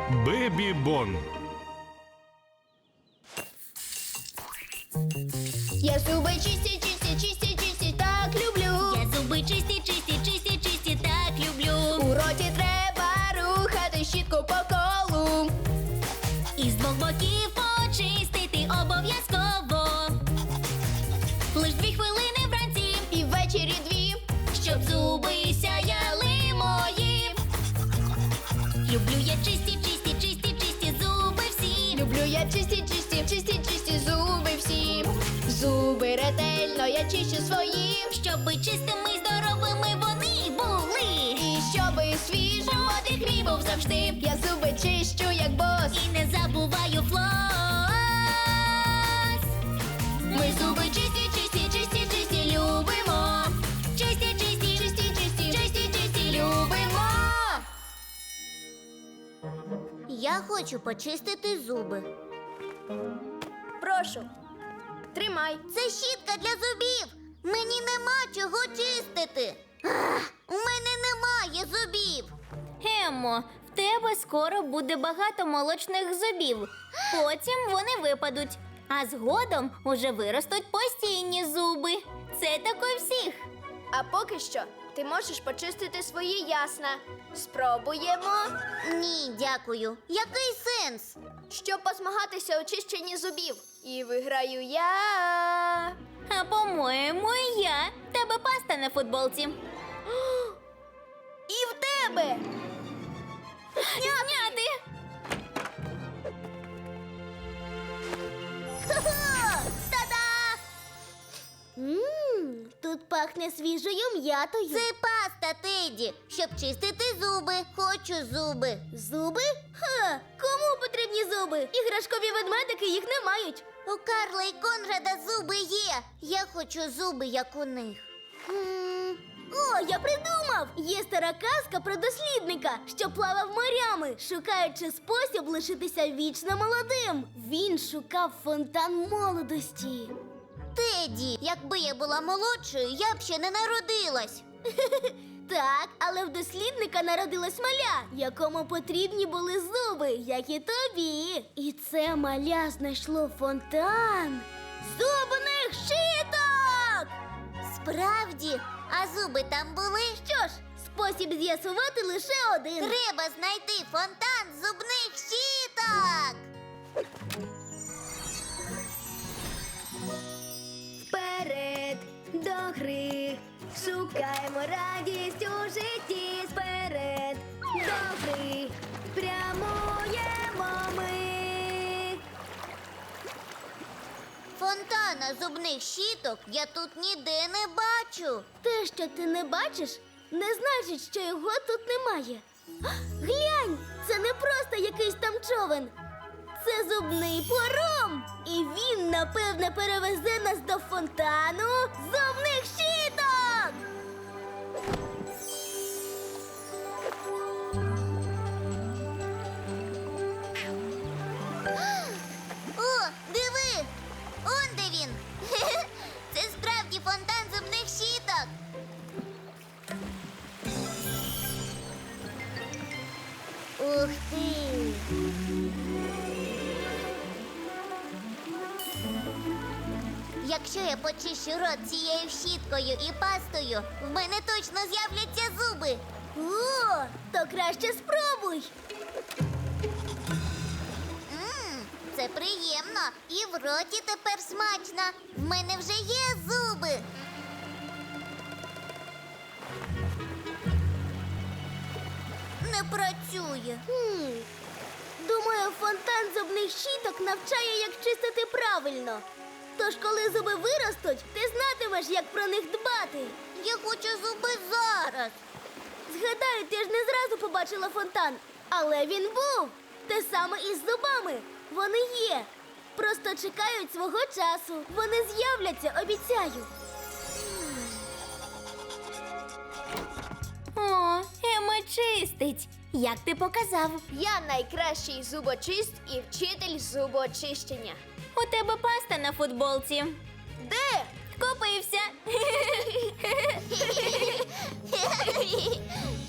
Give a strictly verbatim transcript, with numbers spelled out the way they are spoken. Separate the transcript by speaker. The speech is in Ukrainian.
Speaker 1: Бебі Бон.
Speaker 2: Я зуби чисті, чисті, чисті, чисті, так люблю.
Speaker 3: Я зуби чисті, чисті, чисті, чисті, так люблю.
Speaker 2: У роті треба рухати щітку по колу.
Speaker 3: І з двох боків почистити обов'язково. Лиш дві хвилини вранці,
Speaker 2: І ввечері дві.
Speaker 3: щоб зуби сяяли мої. Люблю я чисті, чисті, чисті, чисті зуби всі.
Speaker 2: Люблю я чисті, чисті, чисті, чисті зуби всі. Зуби ретельно я чищу свої.
Speaker 3: Щоби чистими, здоровими вони були.
Speaker 2: І щоби свіжим подих мій був завжди. Я зуби чищу, як бос.
Speaker 3: І не забуваю флос.
Speaker 2: Ми зуби чисті, чисті, чисті, чисті любимо.
Speaker 3: Чисті, чисті,
Speaker 2: Чисті, чисті, чисті, чисті любимо.
Speaker 3: Я хочу почистити зуби.
Speaker 2: Прошу, тримай.
Speaker 3: Це щітка для зубів. Мені нема чого чистити. Ах, у мене немає зубів. Еммо, в тебе скоро буде багато молочних зубів. Потім вони випадуть. А згодом уже виростуть постійні зуби. Це так у всіх.
Speaker 2: А поки що ти можеш почистити свої ясна. Спробуємо.
Speaker 3: Ні, дякую. Який сенс?
Speaker 2: Щоб позмагатися у чищенні зубів. І виграю я.
Speaker 3: А по-моєму, і я. В тебе паста на футболці.
Speaker 2: І в тебе.
Speaker 3: Зняти! Та-да! Ммм, тут пахне свіжою м'ятою. Це паста, Теді, щоб чистити зуби. Хочу зуби. Зуби? Ха, кому потрібні зуби? Іграшкові ведмедики їх не мають. У Карла і Конрада зуби є. Я хочу зуби, як у них. О, я придумав! Є стара казка про дослідника, що плавав морями, шукаючи спосіб лишитися вічно молодим. Він шукав фонтан молодості. Теді, якби я була молодшою, я б ще не народилась. Так, але в дослідника народилась маля, якому потрібні були зуби, як і тобі. І це маля знайшло фонтан зубних щиток! Справді? А зуби там були? Що ж, спосіб з'ясувати лише один. Треба знайти фонтан зубних щіток!
Speaker 2: Вперед до гри. Шукаємо радість у житті. Вперед до гри. Прямуємо ми.
Speaker 3: Фонтана зубних щіток я тут ніде не бачу. Те, що ти не бачиш, не значить, що його тут немає. Глянь, це не просто якийсь там човен. Це зубний пором. І він, напевне, перевезе нас до фонтану зубних щіток. О, диви! Он де він! Це справді фонтан зубних щіток! Ух ти! Якщо я почищу рот цією щіткою і пастою, в мене точно з'являться зуби! О, то краще спробуй! Ммм, це приємно. І в роті тепер смачно. В мене вже є зуби. Не працює. Хм. Думаю, фонтан зубних щіток навчає, як чистити правильно. Тож, коли зуби виростуть, ти знатимеш, як про них дбати. Я хочу зуби зараз. Згадаю, ти ж не зразу побачила фонтан. Але він був. Те саме і з зубами. Вони є. Просто чекають свого часу. Вони з'являться, обіцяю. О, Ема чистить. Як ти показав?
Speaker 2: Я найкращий зубочист і вчитель зубочищення.
Speaker 3: У тебе паста на футболці.
Speaker 2: Де?
Speaker 3: Купився.